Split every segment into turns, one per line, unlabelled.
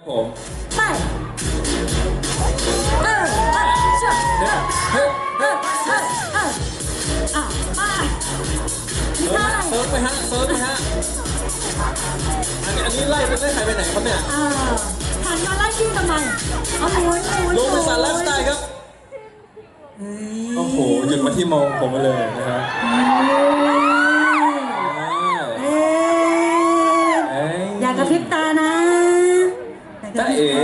ผม
ไปช่วยมีท่าอะไร
เซิร์ฟไปฮะอันนี้ไล่ใครไปไหนครับเนี่ย
หันมาไล่ที่ทำไมเอาหมุน
โรบินสันไลฟ์สไตล์ครับโอ้โหหยุดมาที่มองผมมาเลยนะครับ
อย่ากระพริบตานะ
จ้าเอ๋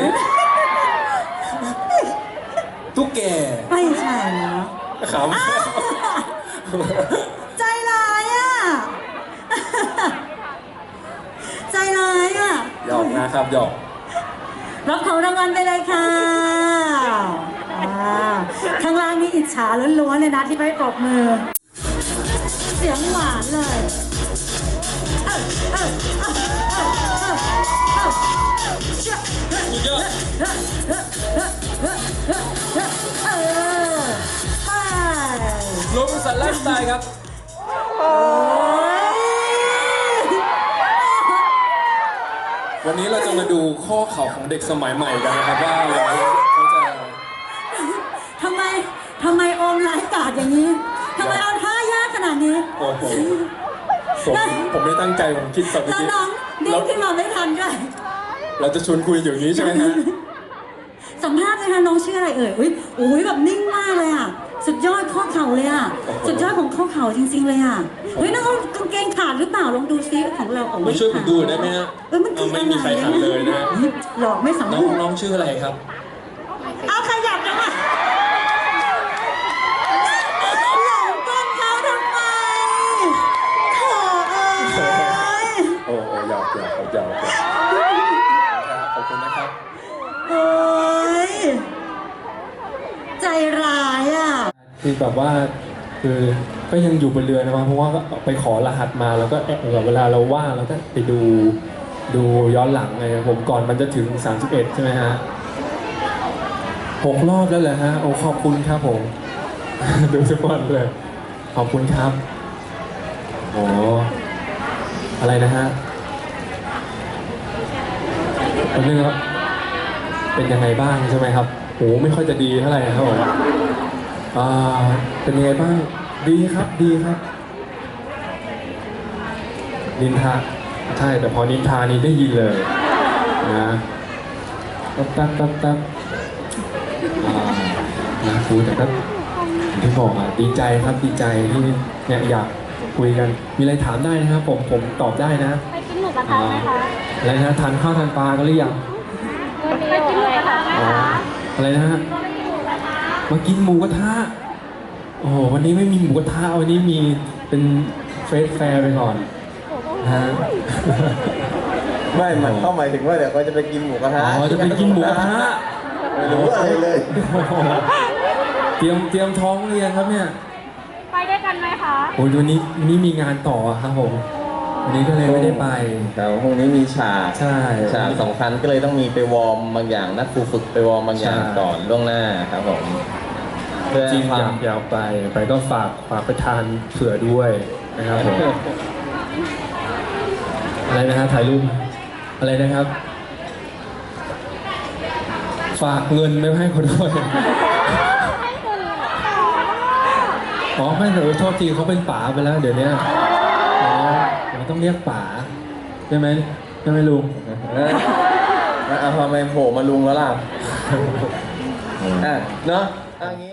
ตุ๊กแก
ไม่ใช่เนาะ
ขำ
ใจร้ายอ่ะใจร้ายอ่ะ
หยอกนะครับหยอก
รับของรางวัลไปเลยค่ะข้างล่างนี่อิจฉาล้วนๆเลยนะที่ไม่ปรบมือเสียงหวานเลย
สุดยอดโรบินสันไลฟ์สไตล์ครับวันนี้เราจะมาดูข้อเข่าของเด็กสมัยใหม่กันนะครับว่าเขาจะ
ทำไมโอมไร้กาดอย่างนี้ทำไมเอาท่ายากขนาดนี้
โอ้โหผมไม่ตั้งใจผมคิดแบบนี้
น้องเด็กขึ้นมาไม่ทันด้วย
เราจะชวนคุยอย่างนี้ใช่ไหมฮะ
สัมภาษณ์เลยค่ะน้องชื่ออะไรเอ่ยอุ้ยแบบนิ่งมากเลยอ่ะสุดยอดข้อเข่าเลยอ่ะสุดยอดของข้อเข่าจริงๆเลยอ่ะน้องกางเกงขาดหรือเปล่าลองดูซิของเรา
ไม่ช่วยผมดูได้ไหมฮะไม่มีใครขาดเลยนะ
หลอกไม่สำคัญ
น้องชื่ออะไรครับ
เอาขยับจังอ่ะหลงก้นเขาทำไมโถ่
โอ้หยอกขอบคุณนะครับ
โอ้ยใจร้ายอ่ะ
คือแบบว่าคือก็ยังอยู่บนเรือนะเพราะว่าไปขอรหัสมาแล้วก็เวลาเราว่างเราก็ไปดูย้อนหลังไงผมก่อนมันจะถึง31ใช่ไหมฮะ6 รอบแล้วเหรอฮะโอ้ขอบคุณครับผมดูทุกวันเลยขอบคุณครับโอ้อะไรนะฮะเป็นเรื่องเป็นยังไงบ้างใช่ไหมครับโอ้ไม่ค่อยจะดีเท่าไหร่ครับผมเป็นยังไงบ้างดีครับนินทาใช่แต่พอนินทานี้ได้ยินเลยนะแป๊บนะครูแต่ก็ที่บอกดีใจครับดีใจที่เนี่ยอยากคุยกันมีอะไรถามได้นะครับผมตอบได้นะ
ไปกินหมูกระทะไหมคะ
อะไรนะทานข้าวทานปลากันหรือยัง
ไปกินหมูกระทะไหมคะ
อะไรนะฮะมากินหมูกระทะโอ้โหวันนี้ไม่มีหมูกระทะวันนี้มีเป็นเฟสแฟร์ไปก่อนฮะ
ไม่มันเข้าหมายถึงว่าเดี๋ยวเขาจะไปกินหมูกระทะ
จะไปกินหมูกระทะ
ไม่รู้อะไรเลย
เตรียมท้องเรียนครับเนี่ย
ไปได้กันไหมคะ
โอ้ยวันนี้มีงานต่อครับผมวันนี้ก็เลยไม่ได้ไป
แต่พรุ่งนี้มีฉาก
ใช่
ฉากสำคัญก็เลยต้องมีไปวอร์มบางอย่างนักฝึกไปวอร์มบางอย่างก่อนล่วงหน้าครับผม
จริงอยากไปก็ฝากไปทานเผื่อด้วยนะครับผมอะไรนะฮะถ่ายรูปอะไรนะครับฝากเงินไม่ให้เขาด้วยไม่แต่โทษทีเขาเป็นป๋าไปแล้วเดี๋ยวนี้เราต้องเรียกป๋าใช่ไหมลุง
ทำไมโผล่มาลุงแล้วล่ะเนาะ